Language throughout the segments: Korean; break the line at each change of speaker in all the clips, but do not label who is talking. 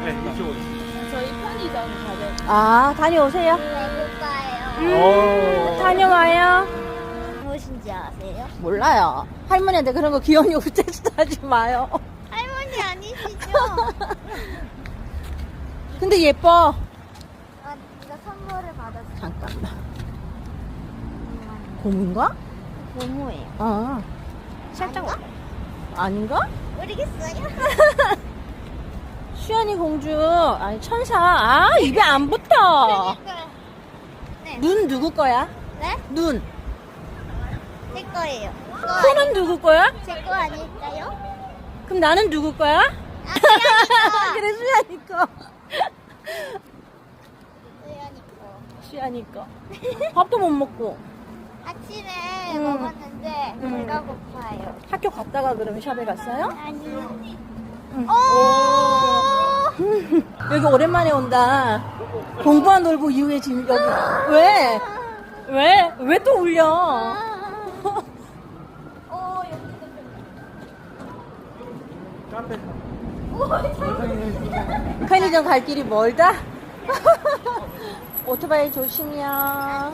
네, 이쪽으로.
저희 편의점 가요.
아, 다녀오세요.
배고파요.
다녀와요.
무엇인지 아세요?
몰라요. 할머니한테 그런 거 귀여운 요구 테스트하지 마요.
할머니 아니시죠?
근데 예뻐.
아, 이거 선물을 받았어요.
잠깐만. 고문가?
고무예요.
아,
살짝
아닌가?
모르겠어요.
수연이 공주. 아니, 천사. 아, 입에 안 붙어.
네.
눈 누구 거야?
네?
눈.
제 거예요.
코는 누구 거야?
제 거 아닐까요?
그럼 나는 누구 거야?
아, 수연이
그래, 수연이 거.
수연이 거.
수연이 거. 밥도 못 먹고.
아침에
음.
먹었는데
음.
배가 고파요.
학교 갔다가 그러면 샵에 갔어요?
아니요.
응.
오!
여기 오랜만에 온다. 공부한 놀부 이후에 지금 여기. 왜? 왜? 왜 또 울려?
오, 여기도
카페.
편의점 갈 길이 멀다? 오토바이 조심이야.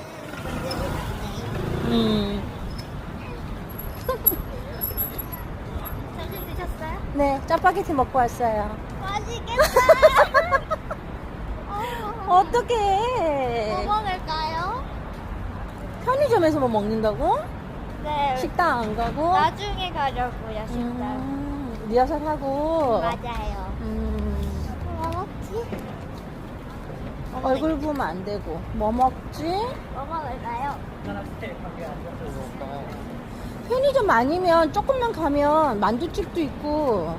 점심 드셨어요?
네, 짜파게티 먹고 왔어요.
맛있겠다.
어떡해.
뭐 먹을까요?
편의점에서 뭐 먹는다고?
네.
식당 안 가고?
나중에 가려고요, 식당.
리허설 하고.
맞아요. 뭐 먹지?
얼굴 보면 안 되고. 뭐 먹지?
뭐 먹을까요?
편의점 아니면 조금만 가면 만두집도 있고.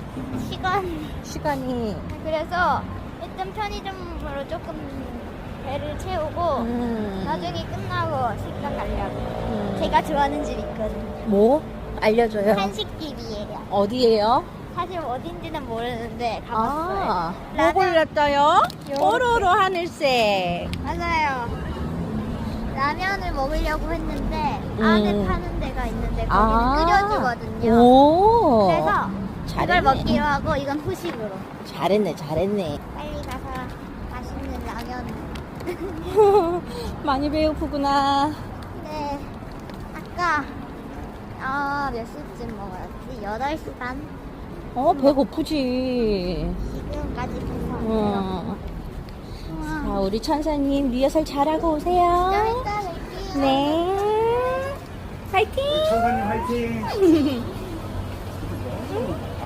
시간이.
그래서 일단 편의점으로 조금 배를 채우고 나중에 끝나고 식당 가려고. 제가 좋아하는 집 있거든요.
뭐? 알려줘요.
한식집이에요.
어디예요?
사실 어딘지는 모르는데 가봤어요.
뭐 골랐어요?
요-
뽀로로 하늘색.
맞아요. 라면을 먹으려고 했는데 안에 파는 데가 있는데 거기는 끓여주거든요.
오.
그래서
잘했네.
이걸 먹기로 하고 이건 후식으로.
잘했네.
빨리 가서 맛있는 라면.
많이 배고프구나.
네. 아까 몇 시쯤 먹었지? 8시 반?
배고프지.
지금까지 배서.
자, 우리 천사님 리허설 잘하고
좀
오세요.
이따 뵐게요.
네. 파이팅!
천사님 화이팅!